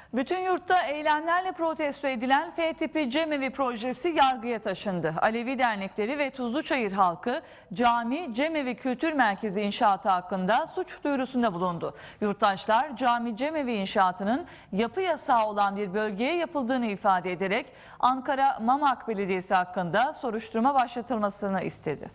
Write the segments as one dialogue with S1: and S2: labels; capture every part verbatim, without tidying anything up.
S1: Bütün yurtta eylemlerle protesto edilen F tipi cemevi projesi yargıya taşındı. Alevi dernekleri ve Tuzluçayır halkı cami cemevi kültür merkezi inşaatı hakkında suç duyurusunda bulundu. Yurttaşlar cami cemevi inşaatının yapı yasağı olan bir bölgeye yapıldığını ifade ederek Ankara Mamak Belediyesi hakkında soruşturma başlatılmasını istedi.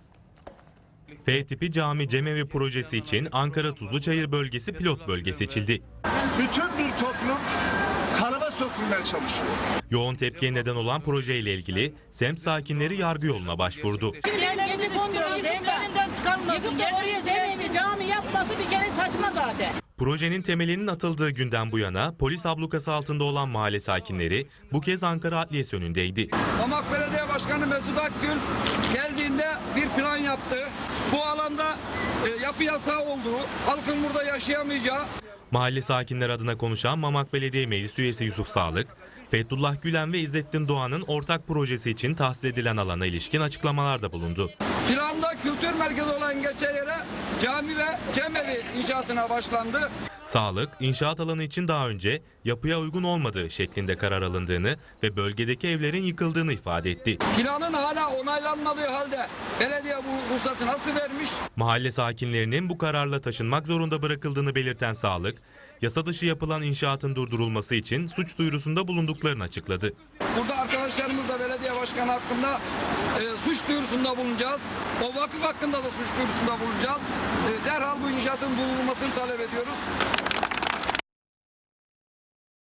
S2: F tipi cami cemevi projesi için Ankara Tuzluçayır bölgesi pilot bölge seçildi.
S3: Bütün bir toplum kalıba sokulmaya çalışıyor.
S2: Yoğun tepkiye neden olan projeyle ilgili semt sakinleri yargı yoluna başvurdu.
S4: Yerlerimizi istiyoruz, evlerinden çıkarılmasın.
S5: Yıkıp da oraya cemevi cami yapması bir kere saçma zaten.
S2: Projenin temelinin atıldığı günden bu yana polis ablukası altında olan mahalle sakinleri bu kez Ankara Adliyesi önündeydi.
S6: Mamak Belediye Başkanı Mesut Akgül geldiğinde bir plan yaptı. Bu alanda e, yapı yasağı olduğu, halkın burada yaşayamayacağı.
S2: Mahalle sakinleri adına konuşan Mamak Belediye Meclis Üyesi Yusuf Sağlık, Fethullah Gülen ve İzzettin Doğan'ın ortak projesi için tahsis edilen alana ilişkin açıklamalarda bulundu.
S6: Planda kültür merkezi olan geçen yere cami ve cemevi inşaatına başlandı.
S2: Sağlık, inşaat alanı için daha önce yapıya uygun olmadığı şeklinde karar alındığını ve bölgedeki evlerin yıkıldığını ifade etti.
S6: Planın hala onaylanmadığı halde belediye bu ruhsatı nasıl vermiş?
S2: Mahalle sakinlerinin bu kararla taşınmak zorunda bırakıldığını belirten Sağlık, yasa dışı yapılan inşaatın durdurulması için suç duyurusunda bulunduklarını açıkladı.
S6: Burada arkadaşlarımızla belediye başkanı hakkında e, suç duyurusunda bulunacağız. O vakıf hakkında da suç duyurusunda bulunacağız. E, derhal bu inşaatın durdurulmasını talep ediyoruz.